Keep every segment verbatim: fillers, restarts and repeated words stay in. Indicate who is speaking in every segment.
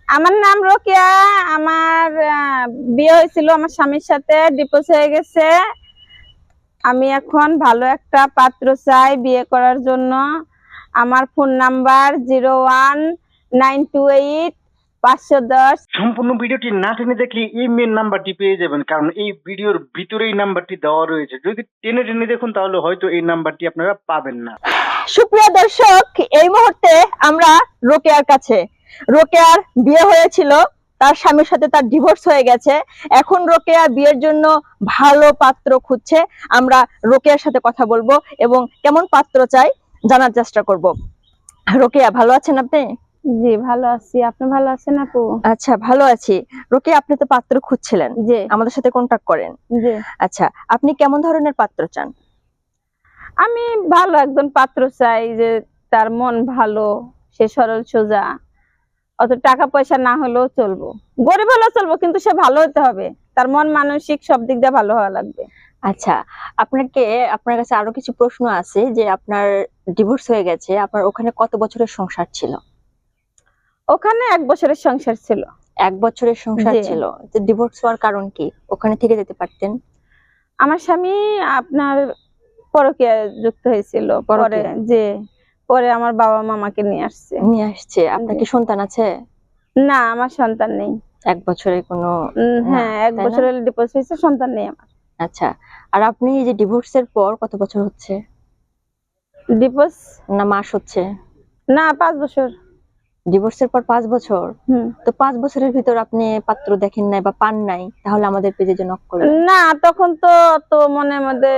Speaker 1: আমার নাম রোকেয়া। আমার আহ, বিয়ে হয়েছিল আমার স্বামীর সাথে, ডিভোর্স হয়ে গেছে। আমি এখন ভালো একটা পাত্র চাই বিয়ে করার জন্য। আমার phone number zero one nine two eight পাঁচশো দশ।
Speaker 2: সম্পূর্ণ ভিডিওটি না টেনে দেখলে এই মেন নাম্বারটি পেয়ে যাবেন, কারণ এই ভিডিওর ভিতরে এই নাম্বারটি দেওয়া রয়েছে। যদি টেনে টেনে দেখুন তাহলে হয়তো এই নাম্বারটি আপনারা পাবেন না।
Speaker 3: সুপ্রিয় দর্শক, এই মুহূর্তে আমরা রোকেয়ার কাছে। রোকেয়ার বিয়ে হয়েছিল, তার স্বামীর সাথে তার ডিভোর্স হয়ে গেছে। এখন রোকেয়া বিয়ের জন্য ভালো পাত্র খুঁজছে। আমরা রোকেয়ার সাথে কথা বলবো এবং কেমন পাত্র চাই জানার চেষ্টা করব। রোকেয়া, ভালো আছেন আপনি?
Speaker 1: জি ভালো আছি, আপনি ভালো আছেন আপু?
Speaker 3: আচ্ছা, ভালো আছি। রোকেয়া, আপনি তো পাত্র খুঁজছিলেন,
Speaker 1: জি
Speaker 3: আমাদের সাথে কন্টাক্ট করেন।
Speaker 1: জি
Speaker 3: আচ্ছা, আপনি কেমন ধরনের পাত্র চান?
Speaker 1: আমি ভালো একজন পাত্র চাই, যে তার মন ভালো, সে সরল সোজা, অত টাকা পয়সা না হলেও চলবো, গরিব হলেও চলবো, কিন্তু সে ভালো হতে হবে। তার মন মানসিক সব দিক দিয়ে ভালো হওয়া লাগবে।
Speaker 3: আচ্ছা, আপনাকে আপনার কাছে আরো কিছু প্রশ্ন আছে। যে আপনার ডিভোর্স হয়ে গেছে, আপনার ওখানে কত বছরের সংসার ছিল?
Speaker 1: ওখানে এক বছরের সংসার ছিল।
Speaker 3: এক বছরের সংসার
Speaker 1: জি।
Speaker 3: ছিল, তো ডিভোর্স হওয়ার কারণ কি? ওখানে থেকে যেতে পারতেন।
Speaker 1: আমার স্বামী আপনার পরকীয়া যুক্ত হয়েছিল, পরে
Speaker 3: পরকীয়া?
Speaker 1: যে পরে আমার বাবা মামাকে নিয়ে আসছে।
Speaker 3: নিয়ে আসছে। আপনার
Speaker 1: জি।
Speaker 3: কি সন্তান আছে?
Speaker 1: না, আমার সন্তান নেই।
Speaker 3: এক বছরের কোনো
Speaker 1: উম,
Speaker 3: না,
Speaker 1: হ্যাঁ, এক
Speaker 3: তাই না?
Speaker 1: বছরের ডিভোর্স হয়েছে, সন্তান নেই আমার।
Speaker 3: আচ্ছা, আর আপনি এই যে ডিভোর্সের পর কত বছর হচ্ছে,
Speaker 1: ডিভোর্স
Speaker 3: না মাস হচ্ছে?
Speaker 1: না, পাঁচ বছর।
Speaker 3: ডিভোর্সের পর পাঁচ বছর?
Speaker 1: হুম।
Speaker 3: তো পাঁচ বছরের ভিতর আপনি পাত্র দেখেন নাই বা পান নাই, তাহলে আমাদের পেজে যে নক করলেন।
Speaker 1: না, তখন তো তো মনের মধ্যে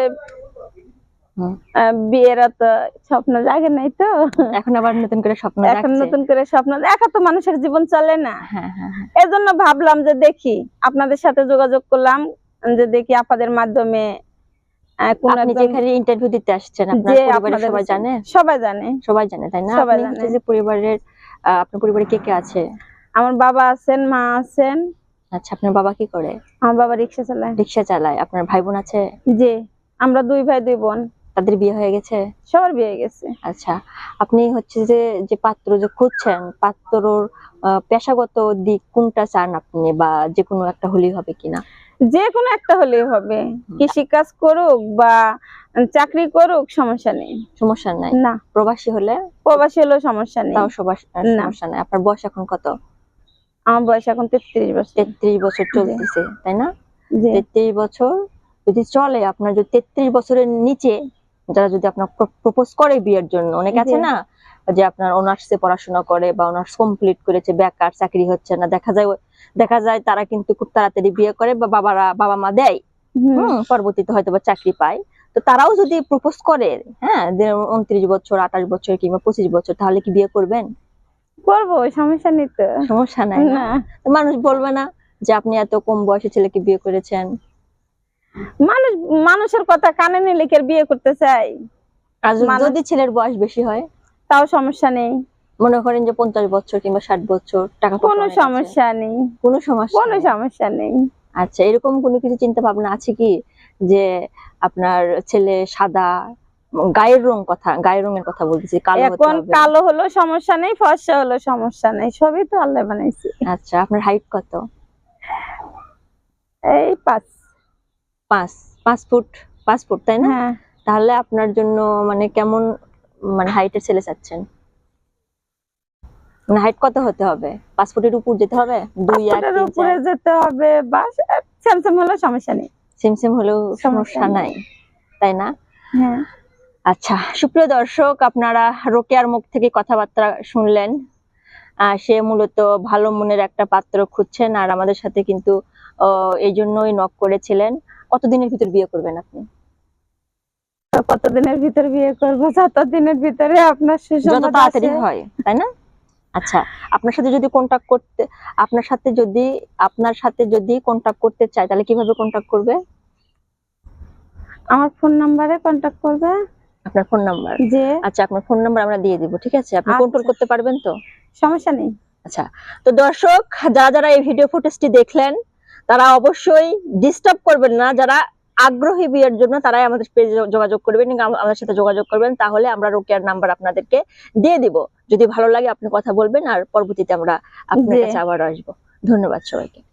Speaker 3: হুম।
Speaker 1: আহ, বিয়ের তো স্বপ্ন জাগে নাই তো।
Speaker 3: এখন আবার নতুন করে স্বপ্ন
Speaker 1: এখন
Speaker 3: জাগছে।
Speaker 1: নতুন করে স্বপ্ন দেখা, তো মানুষের জীবন চলে না।
Speaker 3: হ্যাঁ হ্যাঁ হ্যাঁ।
Speaker 1: এজন্য ভাবলাম যে দেখি, আপনাদের সাথে যোগাযোগ করলাম, যে দেখি আপনাদের মাধ্যমে আহ, কোন
Speaker 3: আপনি
Speaker 1: একজন,
Speaker 3: যেখানে ইন্টারভিউ দিতে আসছেন, আপনার
Speaker 1: যে
Speaker 3: পরিবারের
Speaker 1: আপনাদের
Speaker 3: সবাই জানে?
Speaker 1: সবাই জানে।
Speaker 3: সবাই জানে, তাই না?
Speaker 1: সবাই
Speaker 3: আপনি
Speaker 1: জানে।
Speaker 3: হচ্ছে যে পরিবারের আহ, আপনার পরিবারে কে কে আছে?
Speaker 1: আমার বাবা আছেন, মা আছেন।
Speaker 3: আচ্ছা, আপনার বাবা কি করে?
Speaker 1: আমার বাবা রিক্সা চালায়।
Speaker 3: রিক্সা চালায়। আপনার ভাই বোন আছে?
Speaker 1: জি, আমরা দুই ভাই দুই বোন।
Speaker 3: তাদের বিয়ে হয়ে গেছে?
Speaker 1: সবার বিয়ে গেছে।
Speaker 3: আচ্ছা, আপনি হচ্ছে যে যে পাত্র যে খুঁজছেন, পাত্রর আহ, পেশাগত দিক কোনটা চান আপনি, বা যে কোনো একটা হলেই হবে কিনা?
Speaker 1: যে কোনো একটা হলেই হবে,
Speaker 3: হুম।
Speaker 1: কৃষি কাজ করুক বা চাকরি করুক, সমস্যা নেই।
Speaker 3: সমস্যা নাই?
Speaker 1: না,
Speaker 3: প্রবাসী হলে?
Speaker 1: প্রবাসী হলেও সমস্যা নেই।
Speaker 3: তাও সবার
Speaker 1: না।
Speaker 3: সমস্যা নাই। আপনার বয়স এখন কত?
Speaker 1: আমার বয়স এখন তেত্রিশ বছর।
Speaker 3: তেত্রিশ বছর চলতেছে, তাই না?
Speaker 1: জি
Speaker 3: তেত্রিশ বছর যদি চলে, আপনার যদি তেত্রিশ বছরের নিচে যারা যদি আপনার প্রপোজ করে বিয়ের জন্য, অনেকে আছে
Speaker 1: জি।
Speaker 3: না যে আপনার অনার্সে পড়াশোনা করে বা অনার্স কমপ্লিট করেছে, বেকার, চাকরি হচ্ছে না, দেখা যায় দেখা যায় তারা কিন্তু খুব তাড়াতাড়ি বিয়ে করে বা বাবারা বাবা মা দেয়,
Speaker 1: হুম।
Speaker 3: হম পরবর্তীতে হয়তো বা চাকরি পায়। তো তারাও যদি প্রপোজ করে, হ্যাঁ, যে উনত্রিশ বছর, আঠাশ বছর কিংবা পঁচিশ বছর, তাহলে কি বিয়ে করবেন?
Speaker 1: করবো, সমস্যা নেই তো।
Speaker 3: সমস্যা নাই না?
Speaker 1: না,
Speaker 3: তো মানুষ বলবে না যে আপনি এত কম বয়সে ছেলেকে বিয়ে করেছেন?
Speaker 1: মানুষ মানুষের কথা কানে নিলে কি আর বিয়ে করতে চাই?
Speaker 3: আর যদি-
Speaker 1: মানুষ-
Speaker 3: যদি ছেলের বয়স বেশি হয়,
Speaker 1: তাও সমস্যা নেই,
Speaker 3: মনে করেন যে পঞ্চাশ বছর কিংবা ষাট বছর, টাকা পয়সা
Speaker 1: কোনো
Speaker 3: অনেক আছে,
Speaker 1: সমস্যা নেই,
Speaker 3: কোনো সমস্যা
Speaker 1: কোনো
Speaker 3: নেই?
Speaker 1: সমস্যা নেই।
Speaker 3: আচ্ছা, এরকম কোনো কিছু চিন্তা ভাবনা আছে কি যে আপনার ছেলে সাদা, উম, গায়ের রং, কথা গায়ের রঙের কথা বলতেছি, কালো হতে
Speaker 1: এখন
Speaker 3: হবে?
Speaker 1: কালো হলো সমস্যা নেই, ফর্সা হলো সমস্যা নেই, সবই তো আল্লাহ বানাইছে।
Speaker 3: আচ্ছা, আপনার হাইট কত?
Speaker 1: এই পাঁচ।
Speaker 3: পাঁচ পাঁচ ফুট? পাঁচ ফুট, তাই না?
Speaker 1: হ্যাঁ,
Speaker 3: তাহলে আপনার জন্য মানে কেমন, মানে হাইটের ছেলে চাচ্ছেন? মানে হাইট কত হতে হবে? পাঁচ ফুটের উপর যেতে হবে? দুই, এক,
Speaker 1: পাঁচটার
Speaker 3: তিন,
Speaker 1: উপরে
Speaker 3: চার?
Speaker 1: যেতে হবে, বা স্যামসাং হলো সমস্যা নেই।
Speaker 3: সেম সেম হলেও
Speaker 1: সমস্যা
Speaker 3: সমস্যা নাই,
Speaker 1: নেই।
Speaker 3: তাই না?
Speaker 1: হ্যাঁ।
Speaker 3: আচ্ছা, সুপ্রিয় দর্শক, আপনারা রোকেয়ার মুখ থেকে কথাবার্তা শুনলেন। আহ, সে মূলত ভালো মনের একটা পাত্র খুঁজছেন, আর আমাদের সাথে কিন্তু আহ, এই জন্যই নক করেছিলেন। কতদিনের ভিতর বিয়ে করবেন আপনি?
Speaker 1: তো কতদিনের ভিতর বিয়ে করবো? ততদিনের ভিতরে আপনার
Speaker 3: যত
Speaker 1: সুসংবাদ
Speaker 3: তাড়াতাড়ি
Speaker 1: আসে।
Speaker 3: হয়, তাই না? আচ্ছা, আপনার সাথে যদি কন্টাক্ট করতে আপনার সাথে যদি আপনার সাথে যদি কন্টাক্ট করতে চায়, তাহলে কিভাবে কন্টাক্ট করবে?
Speaker 1: আমার ফোন নাম্বারে কন্টাক্ট করবে।
Speaker 3: আপনার ফোন নাম্বার?
Speaker 1: যে
Speaker 3: আচ্ছা, আপনার ফোন নাম্বার আমরা দিয়ে দিব, ঠিক আছে? আপনি
Speaker 1: আচ্ছা।
Speaker 3: কন্ট্রোল করতে পারবেন তো?
Speaker 1: সমস্যা নেই।
Speaker 3: আচ্ছা, তো দর্শক, যারা যারা এই ভিডিও ফুটেজটি দেখলেন, তারা অবশ্যই ডিস্টার্ব করবেন না। যারা আগ্রহী বিয়ের জন্য, তারাই আমাদের পেজে যোগাযোগ করবেন, আমাদের সাথে যোগাযোগ করবেন, তাহলে আমরা রোকেয়ার নাম্বার আপনাদেরকে দিয়ে দিব। যদি ভালো লাগে আপনি কথা বলবেন, আর পরবর্তীতে আমরা আপনার
Speaker 1: জি।
Speaker 3: কাছে আবার আসবো। ধন্যবাদ সবাইকে।